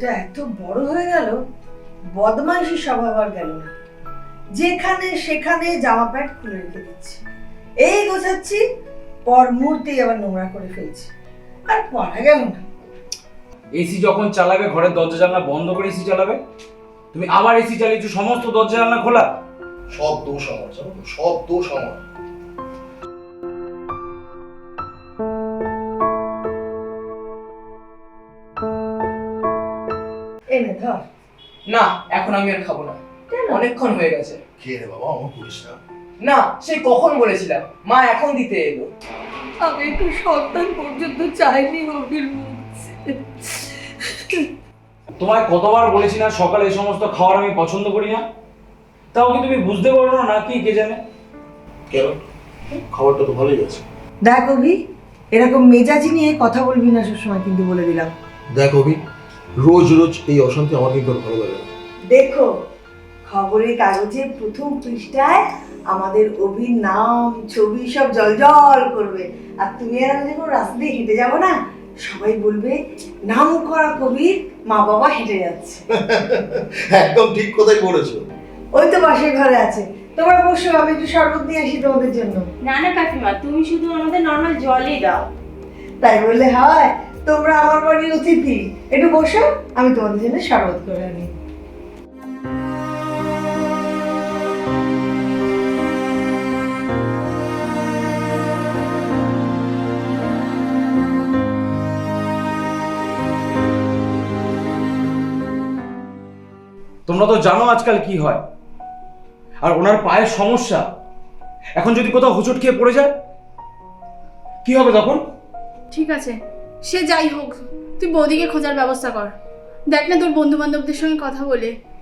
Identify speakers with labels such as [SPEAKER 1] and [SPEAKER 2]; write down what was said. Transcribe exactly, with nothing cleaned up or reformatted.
[SPEAKER 1] ছেলেটা এত বড় হয়ে গেল, বদমাইশি স্বভাব আর গেল না। যেখানে সেখানে জামা প্যান্ট খুলে রেখে দিচ্ছে, এই গোছাচ্ছি, পর মুহূর্তেই আবার নোংরা করে ফেলছি, আর পড়া গেল না।
[SPEAKER 2] এসি যখন চালাবে ঘরের দরজা জানলা বন্ধ করে এসি চালাবে, তুমি আবার এসি চালিয়েছো, সমস্ত দরজা জানলা খোলা।
[SPEAKER 3] সব দোষ আমার, জানো তো, সব দোষ আমার।
[SPEAKER 1] এনে ধর।
[SPEAKER 4] না, এখন আমি আর খাবো না, অনেকক্ষণ হয়ে গেছে।
[SPEAKER 3] খেয়ে রে বাবা, আমার করিস না।
[SPEAKER 4] না, সেই কখন বলেছিলাম, মা এখন দিতে এলো।
[SPEAKER 1] আমি একটু সন্তান পর্যন্ত চাইনি অভির মুখ।
[SPEAKER 2] তোমায় কতবার বলেছি না সকালে এই সমস্ত খাবার আমি পছন্দ করি না, তাও কি তুমি বুঝতে পারো না নাকি কে জানে?
[SPEAKER 3] কেন? খাবারটা তো ভালোই আছে।
[SPEAKER 1] দেখ অভি, এরকম মেজাজি নিয়ে কথা বলবি না সবসময়, কিন্তু বলে দিলাম।
[SPEAKER 3] দেখ অভি, রোজ রোজ এই অশান্তি আমার কিন্তু আর ভালো লাগে না।
[SPEAKER 1] দেখো, খবরের কাগজে প্রথম পৃষ্ঠায় আমাদের অভির নাম ছবি সব জলজল করবে, আর তুমি আর আমি যখন রাস্তা দিয়ে হেঁটে যাবো না, সবাই বলবে নাম করা কবির মা বাবা হেঁটে যাচ্ছে।
[SPEAKER 3] একদম ঠিক কথাই বলেছো।
[SPEAKER 1] ওই তো পাশের ঘরে আছে, তোমরা বসো, আমি একটু শরবত নিয়ে আসি তোমাদের জন্য।
[SPEAKER 5] না না কাকিমা, তুমি শুধু আমাদের নর্মাল জলই দাও।
[SPEAKER 1] তাই বললে হয়? তোমরা আমার বাড়ির অতিথি, একটু বসো, আমি তোমাদের জন্য শরবত করে আনি।
[SPEAKER 2] তোমরা তো জানো আজকাল কি হয়, আর ওনার পায়ের সমস্যা, এখন যদি কোথাও হোঁচট খেয়ে পড়ে যায় কি হবে তখন?
[SPEAKER 6] ঠিক আছে, সে যাই হোক, তুই বৌদিকে খোঁজার ব্যবস্থা কর। দেখ না তোর বন্ধু বান্ধবদের সঙ্গে কথা বলে